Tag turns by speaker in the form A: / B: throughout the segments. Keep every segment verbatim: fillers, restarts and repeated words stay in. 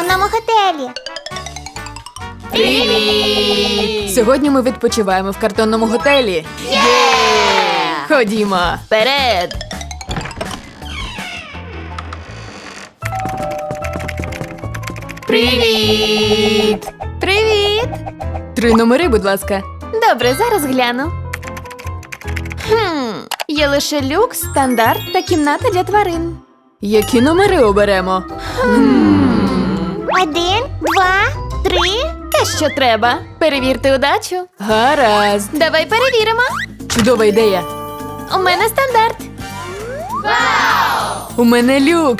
A: картонному готелі.
B: Привіт! Сьогодні ми відпочиваємо в картонному готелі. Є! Ходімо! Вперед! Привіт!
C: Привіт!
B: Три номери, будь ласка.
C: Добре, зараз гляну. Хм, є лише люкс, стандарт та кімната для тварин.
B: Які номери оберемо?
A: Один, два, три.
C: Те, що треба. Перевірте удачу.
B: Гаразд.
C: Давай перевіримо.
B: Чудова ідея.
C: У мене стандарт.
B: У мене люкс.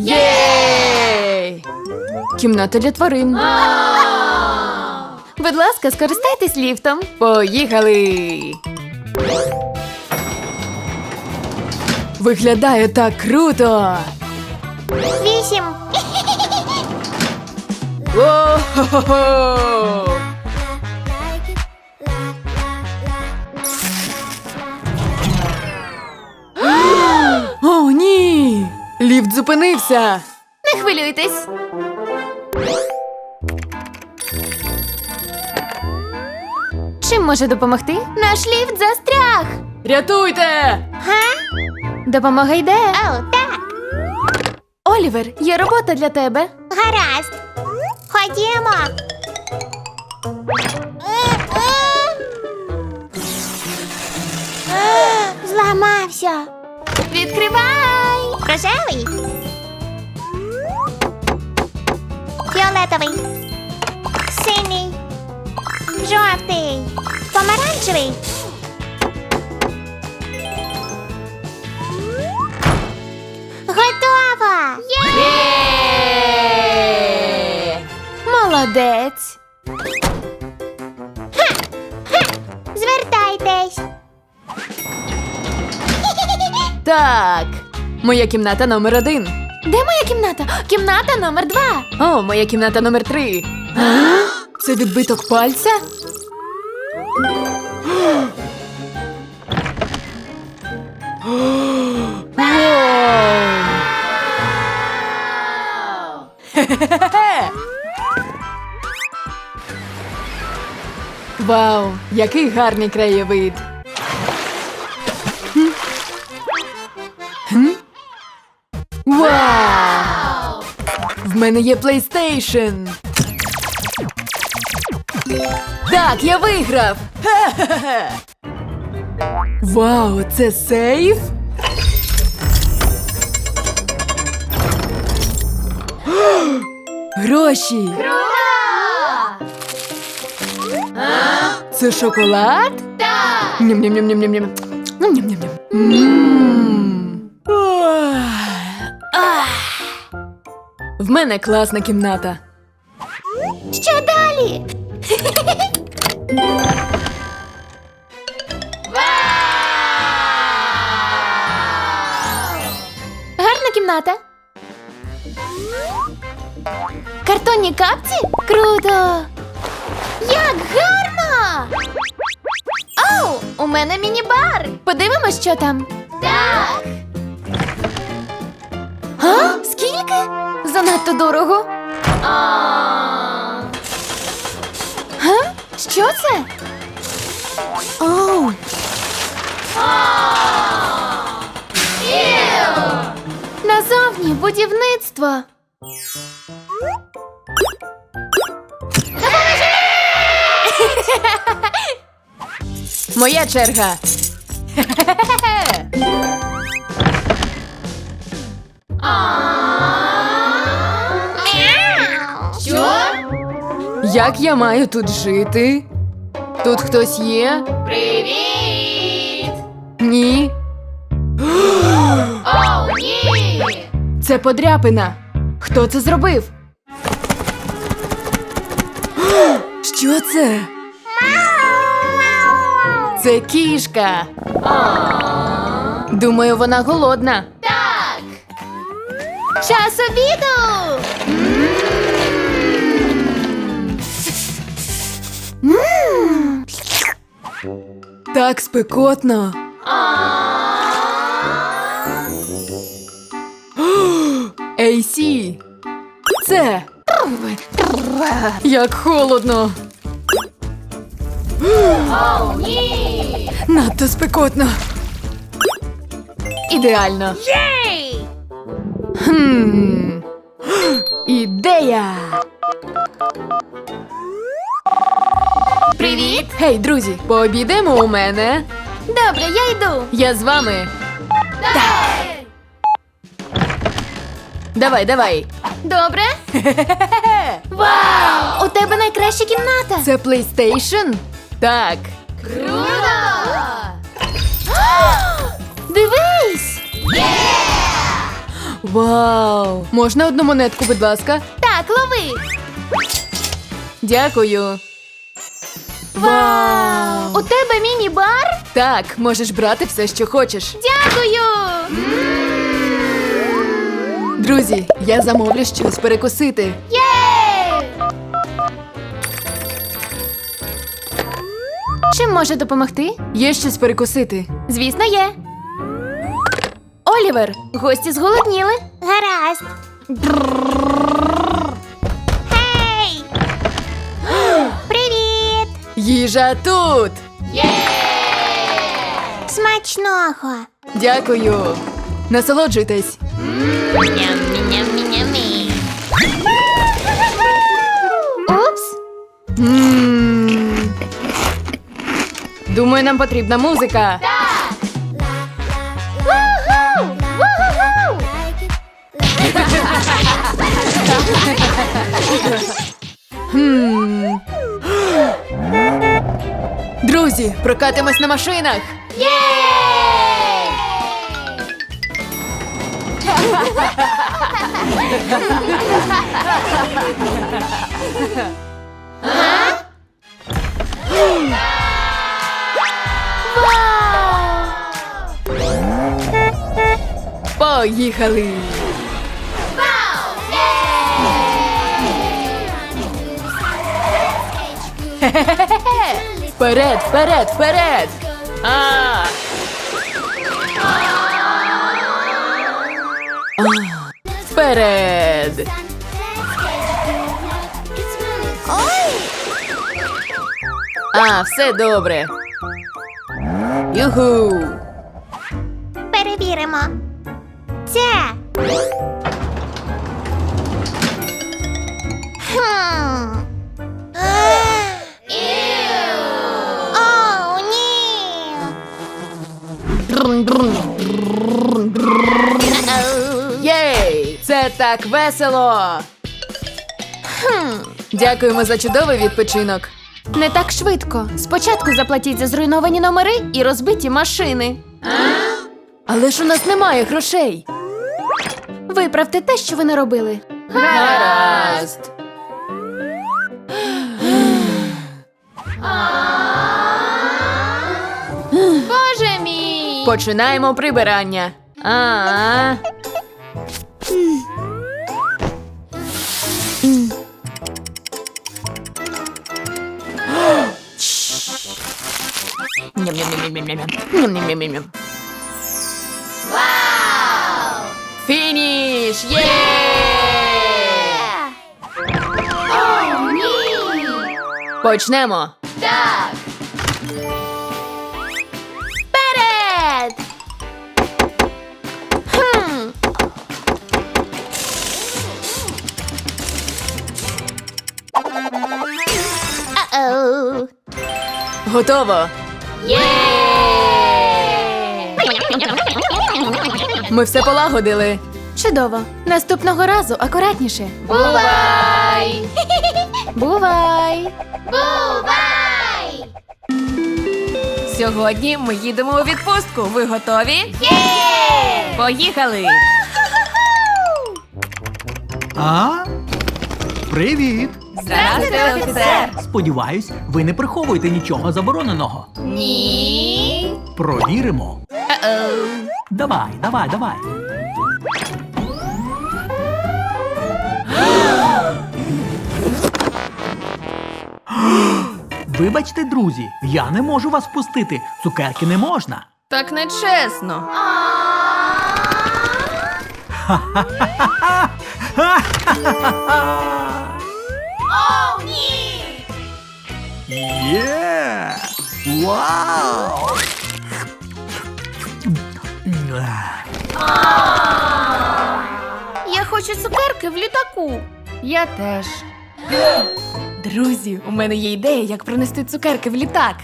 B: Єй! Кімната для тварин.
C: Будь ласка, скористайтесь ліфтом.
B: Поїхали! Виглядає так круто!
A: Вісім.
B: О-хо-хо-хо! О, ні! Ліфт зупинився!
C: Не хвилюйтесь. Чим може допомогти? Наш ліфт застряг.
B: Рятуйте!
A: Га?
C: Допомога йде.
A: О, так.
C: Олівер, є робота для тебе.
A: Гаразд. Ходімо. Зламався.
C: Відкривай!
A: Рожевий. Фіолетовий. Синій. Жовтий. Помаранчевий. Готово!
C: Молодець.
A: Звертайтесь.
B: Так, моя кімната номер один.
C: Де моя кімната? Кімната номер два.
B: О, моя кімната номер три. Це відбиток пальця? Хе-хе-хе! Вау, який гарний краєвид. Хм? Хм? Вау! В мене є PlayStation. Так, я виграв! Хе-хе-хе! Вау, це сейф? Гроші! Це шоколад? Так! Ням-ням-ням-ням-ням. Ням-ням-ням-ням. Мм. Ох. Ах. В мене класна кімната.
C: Що далі? Гарна кімната. Картонні капці? Круто! Як гарно! Оу, у мене міні-бар. Подивимось, що там. Так. А? Скільки? Занадто дорого. Га? Що це? Оу. Назовні будівництво.
B: Моя черга.
C: Що?
B: Як я маю тут жити? Тут хтось є?
C: Привіт!
B: Ні.
C: Оу, ні!
B: Це подряпина. Хто це зробив? Що це? Це кішка. Думаю, вона голодна.
C: Так! Час обіду!
B: Так спекотно. Ей Сі. Це. Як холодно. О, ні! Надто спекотно. Ідеально.
A: Єй!
B: Хм. Ідея!
C: Привіт!
B: Гей, друзі, пообідаємо у мене.
C: Добре, я йду.
B: Я з вами. Так. Давай, давай.
C: Добре? Вау! У тебе найкраща кімната.
B: Це PlayStation? Так.
C: Круто! Дивись!
B: Вау! Можна одну монетку, будь ласка?
C: Так, лови!
B: Дякую. Вау!
C: У тебе міні-бар?
B: Так, можеш брати все, що хочеш.
C: Дякую!
B: Друзі, я замовлю щось перекусити.
C: Єй! Чим може допомогти?
B: Є щось перекусити.
C: Звісно, є. Олівер, гості зголодніли.
A: Гаразд. Гей! Привіт!
B: Їжа тут!
A: Смачного!
B: Дякую. Насолоджуйтесь.
C: Упс.
B: М. Думаю, нам потрібна музика.
C: Ву-ху! Ву-ху-ху!
B: Хм. Друзі, прокатимось на машинах. Поїхали. Вперед, вперед, вперед! А! А, вперед! А, все добре. Юху!
A: Перевіримо. Це. Хм. О, ні.
B: Єй! Це так весело!
C: Хм.
B: Дякуємо за чудовий відпочинок.
C: Не так швидко. Спочатку заплатіть за зруйновані номери і розбиті машини.
B: Але ж у нас немає грошей.
C: Виправте те, що ви не робили.
B: Гаразд.
C: Боже мій!
B: Починаємо прибирання. А. Ням-ням-ням-ням-ням-ням. Фініш! Є! Почнемо.
C: Так! Вперед! Хм.
A: Оу.
B: Готово.
C: Є!
B: Ми все полагодили.
C: Чудово. Наступного разу акуратніше.
A: Бувай!
C: Бувай!
A: Бувай!
B: Сьогодні ми їдемо у відпустку. Ви готові?
A: Є!
B: Поїхали!
D: А? Привіт!
B: Здравствуйте, офіцер!
D: Сподіваюсь, ви не приховуєте нічого забороненого.
A: Ні.
D: Провіримо. Давай, давай, давай. Вибачте, друзі, я не можу вас впустити. Цукерки не можна.
B: Так нечесно.
A: О, ні!
D: Є! Вау!
C: Я хочу цукерки в літаку. Я теж. Друзі, у мене є ідея, як пронести цукерки в літак.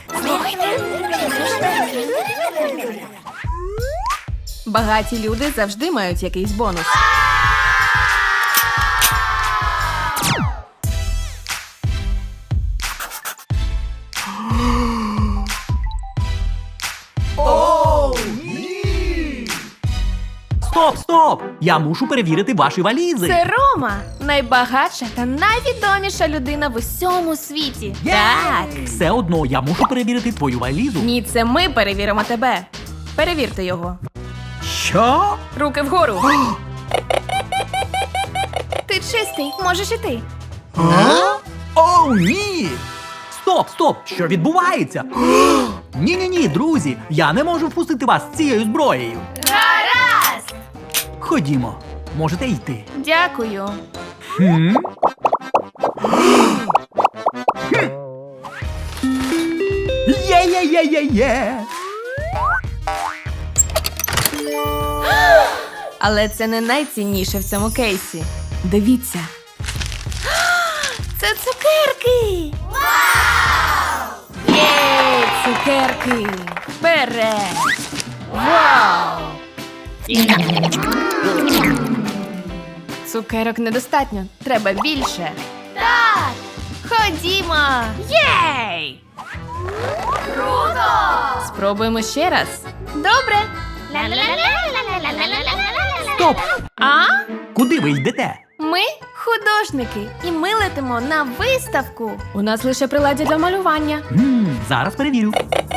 C: Багаті люди завжди мають якийсь бонус.
D: Стоп, стоп! Я мушу перевірити ваші валізи.
C: Це Рома, найбагатша та найвідоміша людина в усьому світі. Так.
D: Все одно я мушу перевірити твою валізу.
C: Ні, це ми перевіримо тебе. Перевірте його.
D: Що?
C: Руки вгору. Ти чистий, можеш іти.
D: О, ні! Стоп, стоп! Що відбувається? Ні-ні-ні, друзі, я не можу впустити вас з цією зброєю.
A: Гаразд!
D: Ходімо, можете йти.
C: Дякую.
D: Хм? Є-є-є-є-є!
C: Але це не найцінніше в цьому кейсі. Дивіться. Це цукерки!
A: Вау!
C: Єй, цукерки! Вперед! Вау! Цукерок недостатньо. Треба більше.
A: Так!
C: Ходімо! Єй!
A: Круто!
C: Спробуємо ще раз. Добре.
A: Ла-ла-ла-ла-ла-ла-ла-ла-ла-ла-ла-ла.
C: Стоп! А?
D: Куди ви йдете?
C: Ми художники, і ми летимо на виставку. У нас лише приладдя для малювання.
D: Хм, зараз перевірю.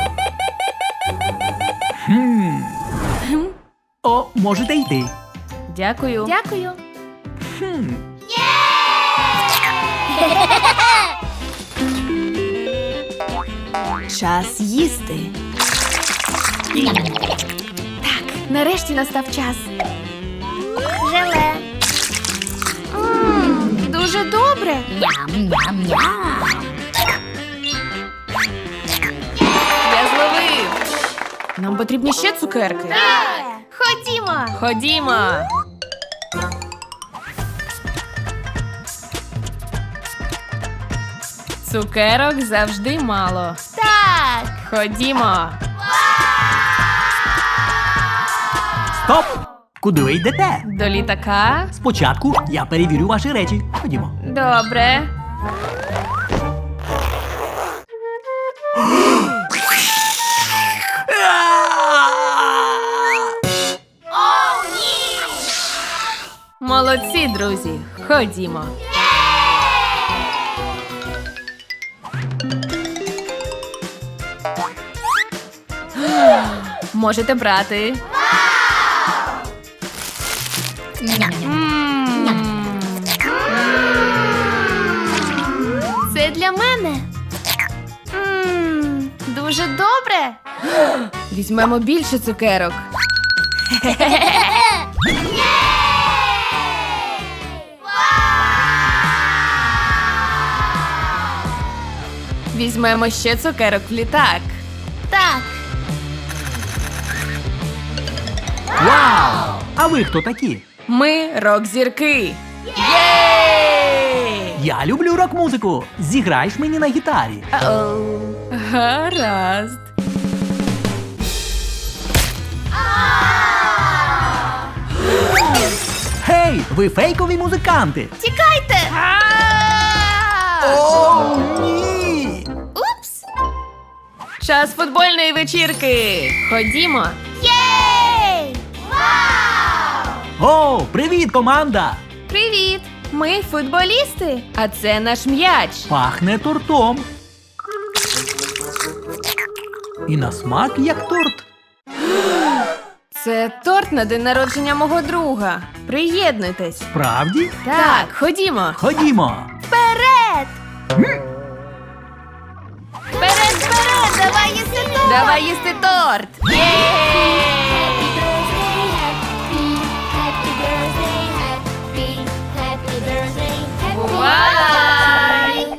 D: Хм. О, можете йти.
C: Дякую. Дякую.
D: Хм.
C: Час їсти. Так, нарешті настав час.
A: Желе.
C: М, дуже добре.
A: Ням-ням-ням.
C: Я зловив. Нам потрібні ще цукерки.
A: Так!
C: Ходімо. Ходімо. Цукерок завжди мало.
A: Так!
C: Ходімо.
D: Стоп! Куди ви йдете?
C: До літака.
D: Спочатку я перевірю ваші речі. Ходімо.
C: Добре.
A: О, ні!
C: Молодці, друзі. Ходімо. Можете брати. М. Це для мене. М, Дуже добре. Візьмемо більше цукерок. Візьмемо ще цукерок в літак.
A: Так!
D: Вау! А ви хто такі?
C: Ми рок-зірки. Єй!
D: Я люблю рок-музику. Зіграєш мені на гітарі.
C: Ау. Гаразд.
D: Гей, ви фейкові музиканти.
A: Тікайте!
D: О, ні!
A: Упс!
C: Час футбольної вечірки. Ходімо.
A: Єй! Вау!
D: О, привіт, команда!
C: Привіт! Ми футболісти, а це наш м'яч.
D: Пахне тортом. І на смак як торт.
C: Це торт на день народження мого друга. Приєднуйтесь.
D: Правді?
C: Так, ходімо.
D: Ходімо.
A: Вперед! Вперед, вперед! Давай їсти торт!
C: Давай їсти торт. Єй!